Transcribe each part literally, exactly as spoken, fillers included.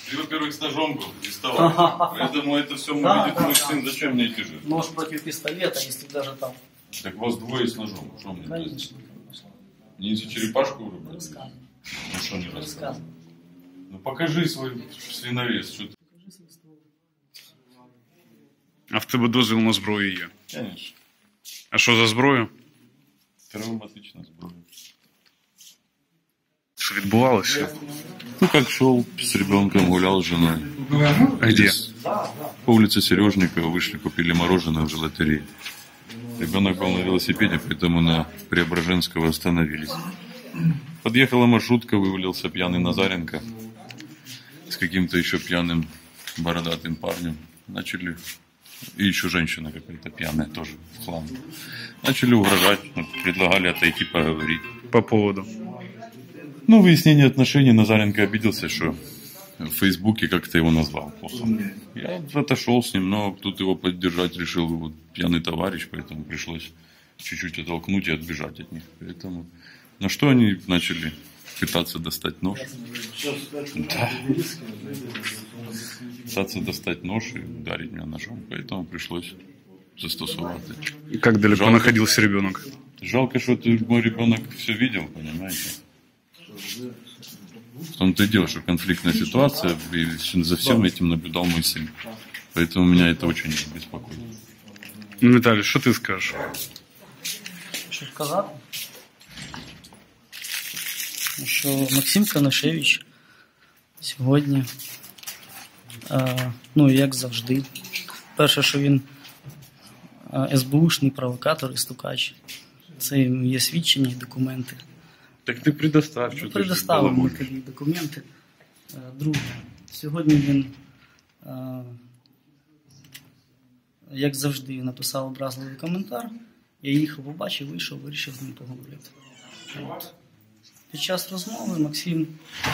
Ты, во-первых, с ножом был, приставал. Поэтому это все увидит мой сын. Зачем мне эти же? Нож против пистолета, если даже там. Так вас двое с ножом. Что мне? Конечно. Не за черепашку вырубать? Рассказывай. Ну что не рассказывай? Рассказывай. Ну покажи свой свиновес. Что ты... А в тебе дозвіл на зброю є? Конечно. А що за зброю? Травматичная зброя. Що відбувалося? Ну как шел с ребенком, гулял с женой. А где? По улице Сережникова вышли, купили мороженое в желатерии. Ребенок был на велосипеде, поэтому на Преображенского остановились. Подъехала маршрутка, вывалился пьяный Назаренко с каким-то еще пьяным бородатым парнем. Начали... И еще женщина какая-то пьяная тоже в хлам. Начали угрожать, предлагали отойти поговорить. По поводу? Ну, выяснение отношений. Назаренко обиделся, что в Фейсбуке как-то его назвал плохо. Я отошел с ним, но тут его поддержать решил вот, пьяный товарищ, поэтому пришлось чуть-чуть оттолкнуть и отбежать от них. Поэтому на что они начали пытаться достать нож? Да. Пытаться достать нож и ударить меня ножом. Поэтому пришлось застосовать. И как далеко жалко, находился ребенок? Жалко, что ты, мой ребенок все видел, понимаете? В том-то и дело, что конфликтная ситуация, и за всем этим наблюдал мой сын. Поэтому меня это очень беспокоит. Ну, Виталий, что ты скажешь? Що сказати? Що Максим Канашевич сьогодні, е, ну, як завжди, перше, що він е, СБУшний провокатор і стукач. Це є свідчення і документи. Так ти предостав, що ну, ти предоставив ми тобі документи. Е, друге, сьогодні він, е, як завжди, написав образливий коментар. Я їхав, побачив, вийшов, вирішив з ним поговорити. От. Під час розмови Максим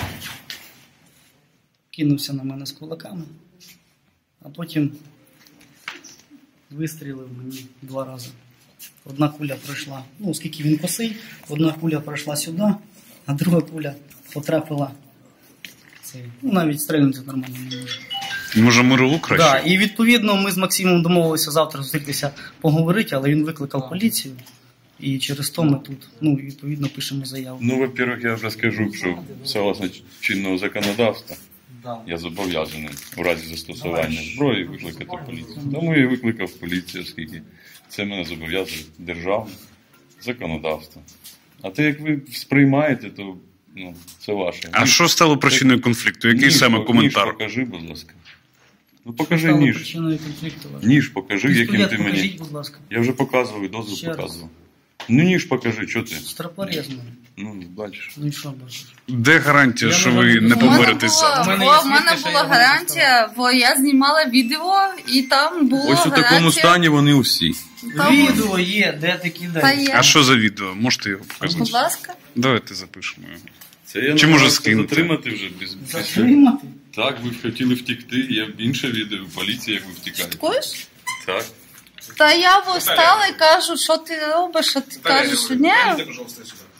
кинувся на мене з кулаками, а потім вистрілив мені два рази. Одна куля пройшла, ну, оскільки він косий, одна куля пройшла сюди, а друга куля потрапила цей. Ну, навіть стрельнути нормально не може. Може, мирову краще? Так, да, і відповідно ми з Максимом домовилися завтра зустрітися поговорити, але він викликав поліцію. І через то ми тут, ну, відповідно, пишемо заяву. Ну, во-первых, я вже скажу, що согласно чинного законодавства, да. я зобов'язаний у разі застосування зброї викликати поліцію. Тому я викликав поліцію, оскільки це мене зобов'язує державне законодавство. А те, як ви сприймаєте, то ну, це ваше. А що стало причиною конфлікту? Який ніж, саме коментар? Ніж покажи, будь ласка. Ну покажи Стало ніж. Причиною конфлікту. Ніж покажи, Пістолет яким ти покажіть, мені. будь ласка. Я вже показував, дозвіл Ще раз. показував. Ну ніж покажи, що ти? Страпорезно. Ну, бачиш. Ну і що бачиш? Де гарантія, Я що не ви знаю. не У мене поборетесь завтра? У мене Бо є в мене свідки, що була я не гарантія, бо я знімала відео, і там було Ось у гарантія. такому стані вони усі. Там- Відео є, де ти Та кидаєш. є. А що за відео? Можете його Будь показати? ласка. Давайте запишемо його. Це я Чи не може можу скинути? затримати вже без, без... Затримати? Так, ви хотіли втекти, є інше відео у поліції, як ви втікаєте. Також? Так. Та я встала і кажу, що ти робиш, що ти кажеш, що ні. Пожалуйста, сюда.